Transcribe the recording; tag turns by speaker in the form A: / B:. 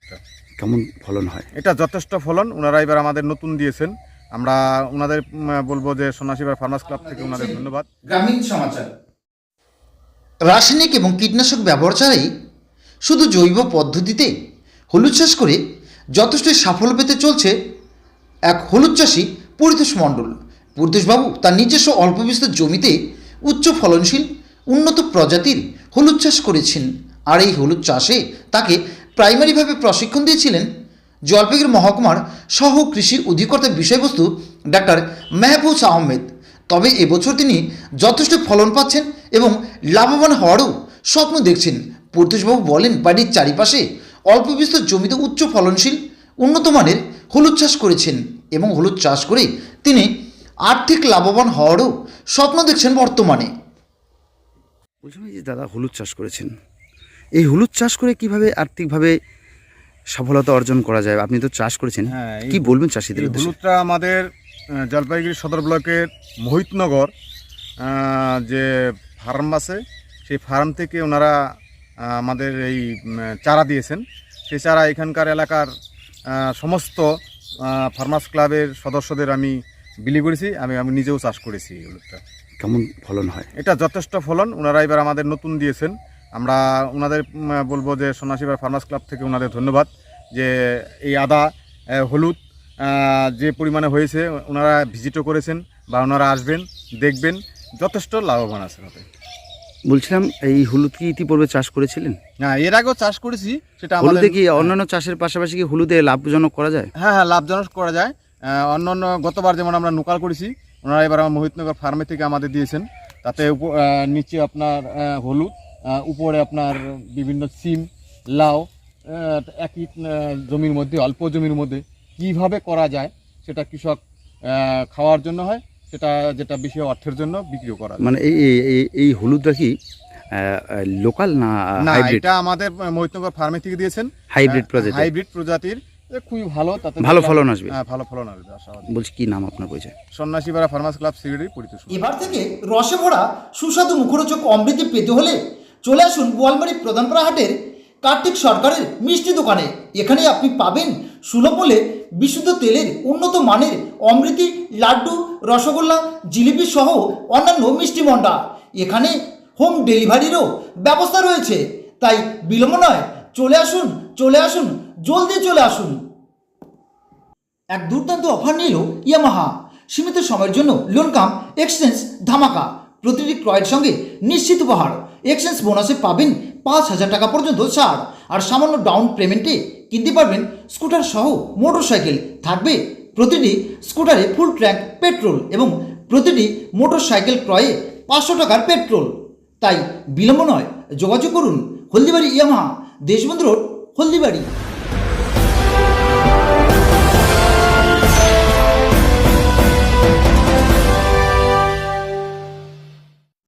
A: হলুদটা।
B: কেমন ফলন হয়?
A: এটা যথেষ্ট ফলন। ওনারা এবার আমাদের নতুন দিয়েছেন। আমরা ওনাদের বলবো যে সন্ন্যাসীবার ফার্মার্স ক্লাব থেকে ওনাদের ধন্যবাদ।
C: গ্রামীণ সমাচার। রাসায়নিক এবং কীটনাশক ব্যবহার ছাড়াই শুধু জৈব পদ্ধতিতে হলুদ চাষ করে যথেষ্ট সাফল্য পেতে চলছে এক হলুদ চাষি পরিতোষ মণ্ডল। পরিতোষবাবু তার নিজস্ব অল্প বিস্তর জমিতে উচ্চ ফলনশীল উন্নত প্রজাতির হলুদ চাষ করেছেন। আর এই হলুদ চাষে তাকে প্রাইমারিভাবে প্রশিক্ষণ দিয়েছিলেন জলপাইগুড়ি মহকুমার সহ কৃষি অধিকর্তার বিষয়বস্তু ডাক্তার মেহফুজ আহমেদ। তবে এবছর তিনি যথেষ্ট ফলন পাচ্ছেন এবং লাভবান হওয়ারও স্বপ্ন দেখছেন। পরিতোষবাবু বলেন, বাড়ির চারিপাশে অল্প বিস্তর জমিতে উচ্চ ফলনশীল উন্নত মানের হলুদ চাষ করেছেন এবং হলুদ চাষ করে তিনি আর্থিক লাভবান হওয়ারও স্বপ্ন দেখছেন বর্তমানে।
B: বলছিলাম যে দাদা হলুদ চাষ করেছেন, এই হলুদ চাষ করে কিভাবে আর্থিকভাবে সফলতা অর্জন করা যায়? আপনি তো চাষ করেছেন, কি বলবেন চাষিদের উদ্দেশ্যে?
A: হলুদটা আমাদের জলপাইগুড়ি সদর ব্লকের মোহিতনগর যে ফার্ম আছে, সেই ফার্ম থেকে ওনারা আমাদের এই চারা দিয়েছেন। সেই চারা এখানকার এলাকার সমস্ত ফার্মার্স ক্লাবের সদস্যদের আমি বিলি করেছি। আমি নিজেও চাষ করেছি এই হলুদটা।
B: কেমন ফলন হয়?
A: এটা যথেষ্ট ফলন। ওনারা এবার আমাদের নতুন দিয়েছেন। আমরা ওনাদের বলবো যে সন্ন্যাসীবার ফার্মার্স ক্লাব থেকে ওনাদের ধন্যবাদ যে এই আদা হলুদ যে পরিমাণে হয়েছে ওনারা ভিজিটও করেছেন বা ওনারা আসবেন, দেখবেন, যথেষ্ট লাভবান আছে হবে।
B: বলছিলাম এই হলুদ কি ইতিপূর্বে চাষ করেছিলেন?
A: না, এর আগেও চাষ করেছি। সেটা
B: হলুদে কি অন্যান্য চাষের পাশাপাশি কি হলুদে লাভজনক করা যায়?
A: হ্যাঁ, লাভজনক করা যায়। অন্যান্য গতবার যেমন আমরা নোকাল করেছি, ওনারা এবার আমার মোহিতনগর ফার্মে থেকে আমাদের দিয়েছেন। তাতে নিচে আপনার হলুদ, উপরে আপনার বিভিন্ন সিম, লাউ, একই জমির মধ্যে, অল্প জমির মধ্যে কীভাবে করা যায় সেটা কৃষক খাওয়ার জন্য হয়, সেটা যেটা বেশি অর্থের জন্য বিক্রিও করা যায়।
B: মানে এই হলুদটা কি লোকাল না হাইব্রিড?
A: এটা আমাদের মোহিতনগর ফার্মে থেকে দিয়েছেন। হাইব্রিড প্রজাতির খুবই ভালো, তাতে
B: ভালো ফলন আসবে।
A: হ্যাঁ, ভালো ফলন আসবে আশাবাদী।
B: বলছি, কি নাম আপনার পরিচয়?
A: Sannyasipara farmers club secretary Paritosh.
C: এবার থেকে রসে ভরা সুস্বাদু মুখরোচক অমৃতি পেতে হলে চলে আসুন বোয়ালমারি প্রধানপাড়া হাটের কার্তিক সরকারের মিষ্টি দোকানে। এখানে আপনি পাবেন সুলভ মূল্যে বিশুদ্ধ তেলের উন্নত মানের অমৃতি, লাড্ডু, রসগোল্লা, জিলিপি সহ অন্যান্য মিষ্টি মন্ডা। এখানে হোম ডেলিভারিরও ব্যবস্থা রয়েছে। তাই বিলম্ব নয়, চলে আসুন, জলদি চলে আসুন। এক দুর্দান্ত অফার নিল ইয়ামাহা। সীমিত সময়ের জন্য লোন কাম এক্সচেঞ্জ ধামাকা। প্রতিটি ক্রয়ের সঙ্গে নিশ্চিত উপহার। এক্সচেঞ্জ বোনাসে পাবেন 5,000 টাকা পর্যন্ত ছাড়। আর সামান্য ডাউন পেমেন্টে কিনতে পারবেন স্কুটার সহ মোটরসাইকেল। থাকবে প্রতিটি স্কুটারে ফুল ট্যাঙ্ক পেট্রোল এবং প্রতিটি মোটরসাইকেল ক্রয়ে 500 টাকার পেট্রোল। তাই বিলম্ব নয়, যোগাযোগ করুন হলদিবাড়ি ইয়ামাহা, দেশবন্ধু রোড, হলদিবাড়ি।